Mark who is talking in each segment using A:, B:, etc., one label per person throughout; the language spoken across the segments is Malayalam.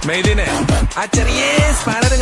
A: മെയ്ദിനെ ആ ചെറിയ സ്പാനർ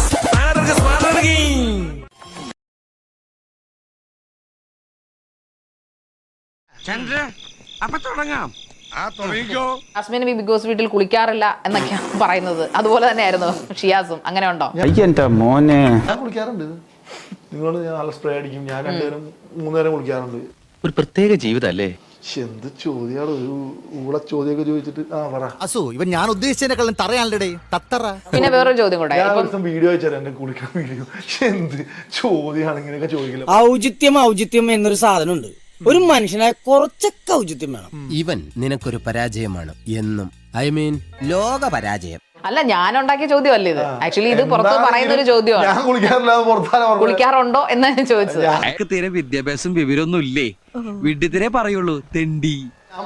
A: ചന്ദ്ര അപ്പൊ തുടങ്ങാം.
B: ജാസ്മിൻ ബിഗ് ബോസ് വീട്ടിൽ കുളിക്കാറില്ല എന്നൊക്കെയാണ് പറയുന്നത്. അതുപോലെ തന്നെയായിരുന്നു ഷിയാസും. അങ്ങനെ ഉണ്ടോ?
C: മോനെ
D: ഞാൻ കുളിക്കാറുണ്ട്. നിങ്ങളോട് ഞാൻ നല്ല സ്പ്രേ അടിക്കും. ഞാൻ 2 നേരം 3 നേരം കുളിക്കാറുണ്ട്.
E: ഒരു പ്രത്യേക ജീവിതല്ലേ?
D: എന്ത് ചോദ്യാണ്, ഒരു ഊള ചോദ്യമൊക്കെ ചോദിച്ചിട്ട്. പറ
F: അസു ഇവൻ ഞാൻ ഉദ്ദേശിച്ചതിനെക്കാളും തറയാണല്ലേ തത്തറ.
B: പിന്നെ വേറൊരു ചോദ്യം കൂടെ.
D: ഞാൻ ദിവസം വീഡിയോ അയച്ചാൽ എന്റെ കുളിക്കാൻ വീഡിയോ. എന്ത് ചോദ്യമാണ് ഇങ്ങനെയൊക്കെ ചോദിക്കില്ല.
G: ഔചിത്യം എന്നൊരു സാധനം ഉണ്ട്. ഒരു മനുഷ്യനായ കുറച്ചൊക്കെ ഔചിത്യം വേണം.
H: ഇവൻ നിനക്കൊരു പരാജയമാണ് എന്നും. ഐ മീൻ ലോക പരാജയം.
B: അല്ല, ഞാൻ ഉണ്ടാക്കിയ ചോദ്യമല്ല ഇത്. ആക്ച്വലി ഇത് പുറത്ത് പറയുന്ന ഒരു ചോദ്യമാണ്.
D: ഞാൻ കുളിക്കാറില്ല,
B: കുളിക്കാറുണ്ടോ എന്നാണ് ചോദിച്ചത്.
E: അയാൾക്ക് തീരെ വിദ്യാഭ്യാസം വിവരമൊന്നും ഇല്ലേ? വീട്ടിൽ പറയുള്ളൂ തെണ്ടി.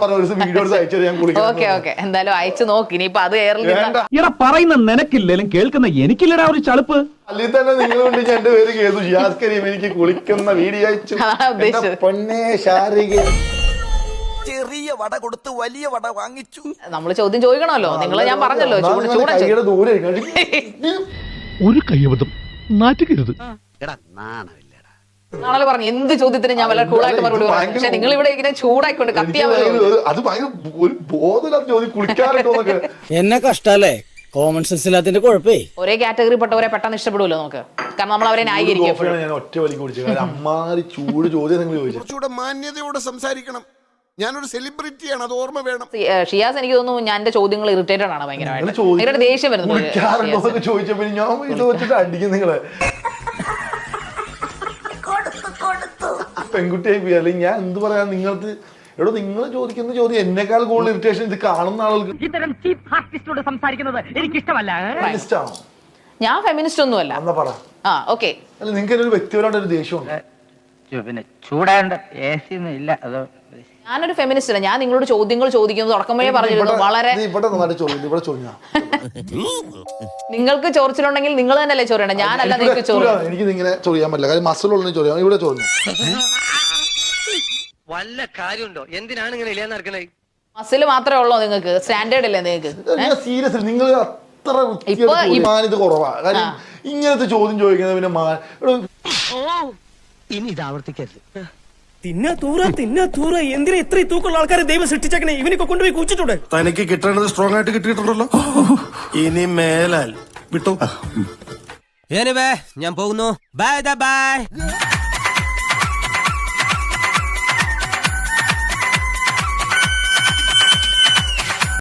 B: ഓക്കെ എന്തായാലും അയച്ചു നോക്കി. ഇനിയിപ്പൊ അത്
C: ഇട പറയുന്ന നിനക്കില്ലേലും കേൾക്കുന്ന എനിക്കില്ലടാ ഒരു ചളുപ്പ്.
D: അല്ലെങ്കിൽ തന്നെ നിങ്ങൾ കൊണ്ട് എന്റെ പേര് കേതു ഷിയാസ് കരീം എനിക്ക് കുളിക്കുന്ന വീഡിയോ അയച്ചു. പൊന്നേ ശാരിക
H: ചെറിയ വട കൊടുത്ത് വലിയ വട വാങ്ങിച്ചു.
B: നമ്മള് ചോദ്യം ചോദിക്കണമല്ലോ. നിങ്ങളെ ഞാൻ പറഞ്ഞല്ലോ
D: കൈയുടെ ദൂരെ
C: ഒരു കയ്യബദ്ധം നാറ്റുകരുത്.
B: നാളെ പറഞ്ഞു എന്ത് ചോദ്യത്തിന് ഞാൻ വളരെ കൂളായിട്ട് മറുപടി പറഞ്ഞു. പക്ഷെ നിങ്ങൾ ഇവിടെ ഇങ്ങനെ ചൂടായിക്കൊണ്ട് കത്തിയാ
D: അത് ഭയങ്കര ഒരു ബോധമില്ലാത്ത ചോദ്യം. കുളിക്കാറുണ്ടോന്നൊക്കെ
G: എന്നെ കഷ്ടല്ലേ. Common sense ഇല്ലാത്തതിന്റെ കുഴപ്പേ.
B: ഒരേ കാറ്റഗറി പെട്ടവരെ പെട്ടെന്ന് ഇഷ്ടപ്പെടുമല്ലോ നമുക്ക്. കാരണം നമ്മൾ അവരെ ന്യായീകരിക്കും.
D: ഞാൻ ഒറ്റ വലി കുടിച്ചു. അമ്മാരി ചൂട് ചോദ്യം നിങ്ങൾ ചോദിച്ചു.
F: കുറച്ചുകൂടെ മാന്യതയോടെ സംസാരിക്കണം. ഞാനൊരു സെലിബ്രിറ്റിയാണ്, അത് ഓർമ്മ വേണം.
B: ഷിയാസ് എനിക്ക് തോന്നുന്നു ഞാൻ എന്റെ ചോദ്യങ്ങൾ ഇറിറ്റേറ്റഡ് ആണ് ഭയങ്കരമായിട്ട്. ദേഷ്യം വരുന്നത്
D: ചോദിച്ചപ്പോ ഞാൻ ഇത് വെച്ചിട്ട് അടിക്കും നിങ്ങളെ. പെൺകുട്ടിയായി പോയി. അല്ലെങ്കിൽ ഞാൻ എന്ത് പറയാ നിങ്ങൾക്ക്. എടോ നിങ്ങൾ ചോദിക്കുന്ന ചോദ്യം എന്നെക്കാൾ കൂടുതൽ ഇറിറ്റേഷൻ ഇത് കാണുന്ന ആളുകൾക്ക്.
I: ഇത്തരം ചീപ്പ് ആർട്ടിസ്റ്റോട് സംസാരിക്കുന്നത് എനിക്ക് ഇഷ്ടമല്ല.
B: ഞാൻ ഫെമിനിസ്റ്റ് ഒന്നുമല്ല.
D: എന്നാ പറ.
B: ഓക്കെ.
D: അല്ല നിങ്ങൾക്ക് ഒരു വ്യക്തിപരമായിട്ട് ഒരു ദേഷ്യമുണ്ട്.
I: പിന്നെ ചൂടാണ്ട് എ സി ഒന്നും ഇല്ല. അതോ
B: ഞാനൊരു ഫെമിനിസ്റ്റ് അല്ല. ഞാൻ നിങ്ങളോട് ചോദ്യങ്ങൾ ചോദിക്കുന്നത് തുടക്കം വഴി പറഞ്ഞിരുന്നു. വളരെ നിങ്ങൾക്ക് ചോദിച്ചിട്ടുണ്ടെങ്കിൽ നിങ്ങൾ തന്നെയല്ലേ ചോദിക്കണം. ഞാനല്ല നിങ്ങൾക്ക് ചോദിക്കണം.
D: എനിക്ക് ഇങ്ങനെ ചൊറിയാൻ പറ്റില്ല. കാര്യം മസിലുള്ള ചോദ്യം ഇവിടെ ചോദിച്ചു.
I: വല്ല കാര്യമുണ്ടോ? എന്തിനാണ് ഇങ്ങനെ ഇല്ലാന്ന് നടക്കണേ?
B: മസിൽ മാത്രമേ ഉള്ളൂ നിങ്ങൾക്ക്? സ്റ്റാൻഡേർഡ് അല്ലേ നിങ്ങൾക്ക്?
D: സീരിയസ് നിങ്ങൾ അത്ര മാന്യത കുറവാ. കാര്യം ഇങ്ങനത്തെ ചോദ്യം ചോദിക്കുന്നത് പിന്നെ
I: ഇനി ഇത് ആവർത്തിക്കരുത്.
G: തിന്നാ തൂറ എന്തിനാ ഇത്ര തൂക്കുള്ള ആൾക്കാരെ ദൈവം സൃഷ്ടിച്ചേക്കണേ? ഇവനൊക്കെ കൊണ്ടുപോയി കുച്ചിട്ടുണ്ട്.
F: തനിക്ക് കിട്ടേണ്ടത് സ്ട്രോങ് ആയിട്ട് കിട്ടിയിട്ടുണ്ടല്ലോ. ഇനി മേലാൽ വിട്ടു.
H: ഞാൻ പോകുന്നു. Bye by.